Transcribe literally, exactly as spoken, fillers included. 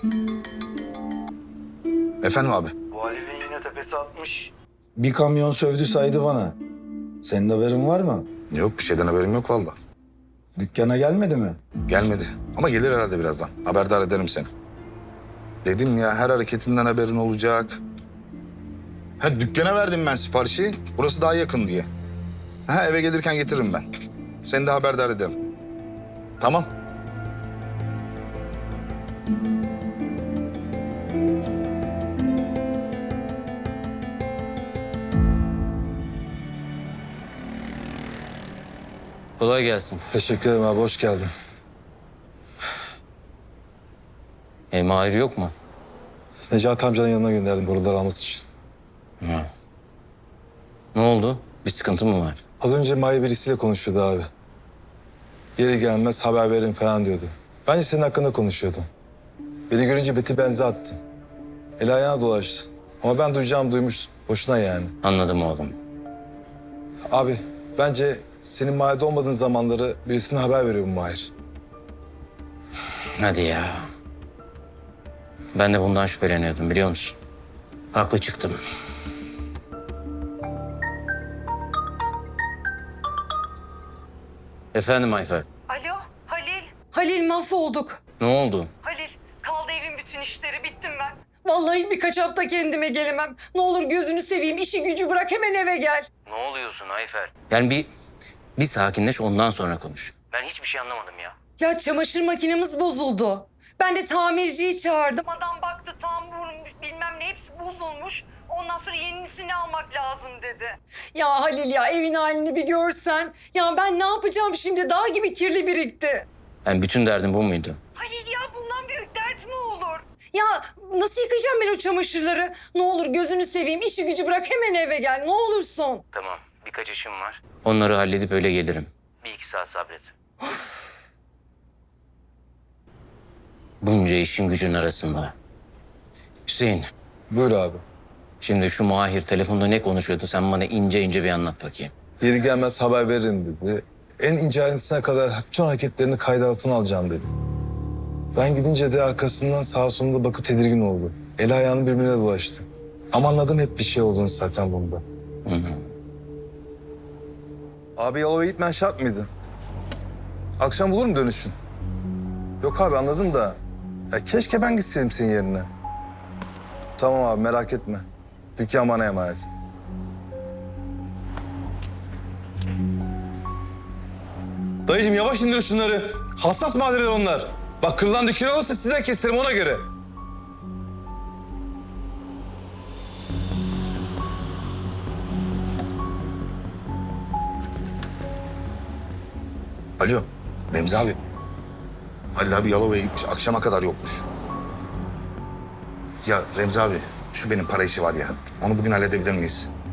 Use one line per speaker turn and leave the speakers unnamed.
Efendim abi?
Bu Halil'in yine tepesi atmış.
Bir kamyon sövdü saydı bana. Senin haberin var mı?
Yok, bir şeyden haberim yok vallahi.
Dükkana gelmedi mi?
Gelmedi ama gelir herhalde birazdan. Haberdar ederim seni. Dedim ya, her hareketinden haberin olacak. Ha, dükkana verdim ben siparişi. Burası daha yakın diye. Ha, eve gelirken getiririm ben. Seni de haberdar ederim. Tamam.
Kolay gelsin.
Teşekkür ederim abi, hoş geldin.
E, Mahir yok mu?
Necati amcanın yanına gönderdim boruları alması için.
Ne oldu? Bir sıkıntı mı var?
Az önce Mahir birisiyle konuşuyordu abi. Yeri gelmez haber verin falan diyordu. Bence senin hakkında konuşuyordu. Beni görünce beti benze attı. El ayağına dolaştı. Ama ben duyacağımı duymuştum. Boşuna yani.
Anladım oğlum.
Abi bence senin mahallede olmadığın zamanları birisine haber veriyor bu Mahir.
Hadi ya. Ben de bundan şüpheleniyordum, biliyor musun? Haklı çıktım. Efendim Ayfer.
Alo Halil.
Halil mahvolduk.
Ne oldu?
Halil kaldı evin bütün işleri bittim ben.
Vallahi birkaç hafta kendime gelemem. Ne olur gözünü seveyim, işi gücü bırak, hemen eve gel.
Ne oluyorsun Ayfer? Yani bir, bir sakinleş, ondan sonra konuş. Ben hiçbir şey anlamadım ya.
Ya çamaşır makinemiz bozuldu. Ben de tamirciyi çağırdım.
Adam baktı tam vurmuş bilmem ne hepsi bozulmuş. Ondan sonra yenisini almak lazım dedi.
Ya Halil ya, evin halini bir görsen. Ya ben ne yapacağım şimdi? Dağ gibi kirli birikti.
Yani bütün derdin bu muydu?
Halil ya bundan büyük dert mi olur?
Ya nasıl yıkayacağım ben o çamaşırları? Ne olur gözünü seveyim, işi gücü bırak, hemen eve gel. Ne olursun.
Tamam, birkaç işim var. Onları halledip öyle gelirim. Bir iki saat sabret. Bunca işin gücün arasında. Hüseyin,
Buyur abi.
şimdi şu Mahir telefonda ne konuşuyordu? Sen bana ince ince bir anlat bakayım.
Yeri gelmez haber verin dedi. En ince ayrıntısına kadar bütün hareketlerini kayda altına alacağım dedi. Ben gidince de arkasından sağa soluna bakıp tedirgin oldu. El ayağını birbirine dolaştı. Ama anladım hep bir şey olduğunu zaten bunda.
Hı hı.
Abi Yalova'ya gitmen şart mıydı? Akşam bulur mu dönüşün? Yok abi anladım da. Ya keşke ben gitseydim senin yerine. Tamam abi merak etme. Dükkan bana emanet. Dayıcığım yavaş indir şunları. Hassas malzemeler onlar. Bak kırılan dükkan olursa size keserim ona göre.
Alo, Remzi abi. Halil abi Yalova'ya gitmiş, akşama kadar yokmuş. Ya Remzi abi, şu benim para işi var ya. Onu bugün halledebilir miyiz?